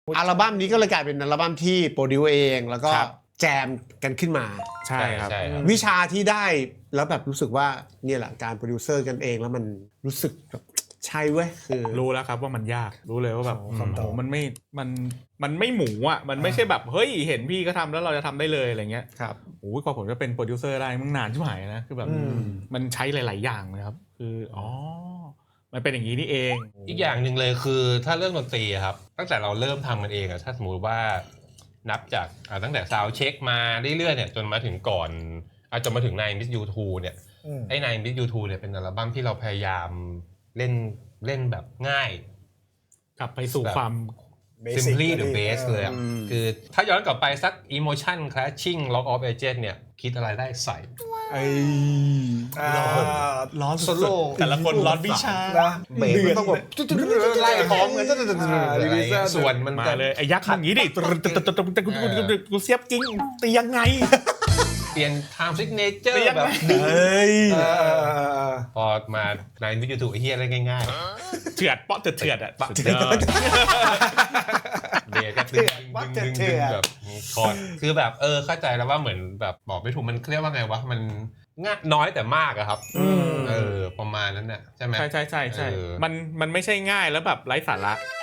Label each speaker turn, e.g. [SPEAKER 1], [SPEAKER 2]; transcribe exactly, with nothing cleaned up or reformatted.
[SPEAKER 1] อัลบั้มนี้ก็เลยกลายเป็นอัลบั้มที่โปรดิวเองแล้วก็แจมกันขึ้นมา
[SPEAKER 2] ใช่ครับ
[SPEAKER 1] วิชาที่ได้แล้วแบบรู้สึกว่าเนี่ยแหละการโปรดิวเซอร์กันเองแล้วมันรู้สึกแบบใช่เว้ยคือ
[SPEAKER 2] รู้แล้วครับว่ามันยากรู้เลยว่าแบบ
[SPEAKER 3] โอ้คำตอบ
[SPEAKER 2] โอ้มันไม่มันมันไม่หมูอ่ะมันไม่ใช่แบบเฮ้ยเห็นพี่ก็ทำแล้วเราจะทำได้เลยอะไรเงี้ย
[SPEAKER 1] ครับ
[SPEAKER 2] โอ้ยกว่าผมจะเป็นโปรดิวเซอร์ได้มันนานชิบหายนะคือแบบ
[SPEAKER 3] อืม
[SPEAKER 2] มันใช้หลาย ๆ อย่างเลยครับคืออ๋อมันเป็นอย่างนี้นี่เอง
[SPEAKER 4] อีกอย่างหนึ่งเลยคือถ้าเรื่องดนตรีอะครับตั้งแต่เราเริ่มทำมันเองอะถ้าสมมติว่านับจากอ่าตั้งแต่ซาวด์เช็คมาเรื่อยๆเนี่ยจนมาถึงก่อนอาจจะมาถึง Nine Miss You Two เนี่ย
[SPEAKER 3] อืม
[SPEAKER 4] ไอ้ Nine Miss You Two เนี่ยเป็นอัลบั้มที่เราพยายามเล่นเล่นแบบง่าย
[SPEAKER 2] กลับไปสู่
[SPEAKER 4] แบบ
[SPEAKER 2] ความ
[SPEAKER 3] Basic
[SPEAKER 4] simply
[SPEAKER 3] เลย
[SPEAKER 4] the best เลยอะ
[SPEAKER 1] อืม
[SPEAKER 4] คือถ้าย้อนกลับไปสัก Emotion Clashing Lock of Ages เนี่ยคิดอะไรได้ใส่
[SPEAKER 1] ไอ้
[SPEAKER 3] อ่า
[SPEAKER 1] ร้อน
[SPEAKER 3] โซโล่
[SPEAKER 2] แต่ละคนร้อนวิชา
[SPEAKER 3] นะ
[SPEAKER 1] เบสมันต้องแบบไล่พร้อมกัน
[SPEAKER 4] อะไรเงี้ยส่วนมัน
[SPEAKER 2] มา
[SPEAKER 4] จะ
[SPEAKER 2] เลยไอ้ยักษ์อย่างนี้ดิกูเสียบจริงตียังไง
[SPEAKER 4] เปลี่ยน time signature
[SPEAKER 2] เปลี่ยน
[SPEAKER 4] แบบ
[SPEAKER 1] เฮ้ย
[SPEAKER 3] เออ
[SPEAKER 4] พอมาในวิดีโอถูกไอ้เฮียอะไรง่าย
[SPEAKER 2] เถื่อนเปาะเถื่อนเถื่อนอ่ะ
[SPEAKER 4] ๆ
[SPEAKER 2] สุดยอด
[SPEAKER 4] เดก็ดึงดึงดึงดึงแบบคอร์ดคือแบบเออเข้าใจแล้วว่าเหมือนแบบบอกไม่ถูกมันเรียกว่าไงวะมันง่ายน้อยแต่มากอะครับเออประมาณนั้นน่ะใช่ไหม
[SPEAKER 2] ใช่ใช่ใช่ใช่
[SPEAKER 4] เออ
[SPEAKER 2] มันมันไม่ใช่ง่ายแล้วแบบไร้สาระ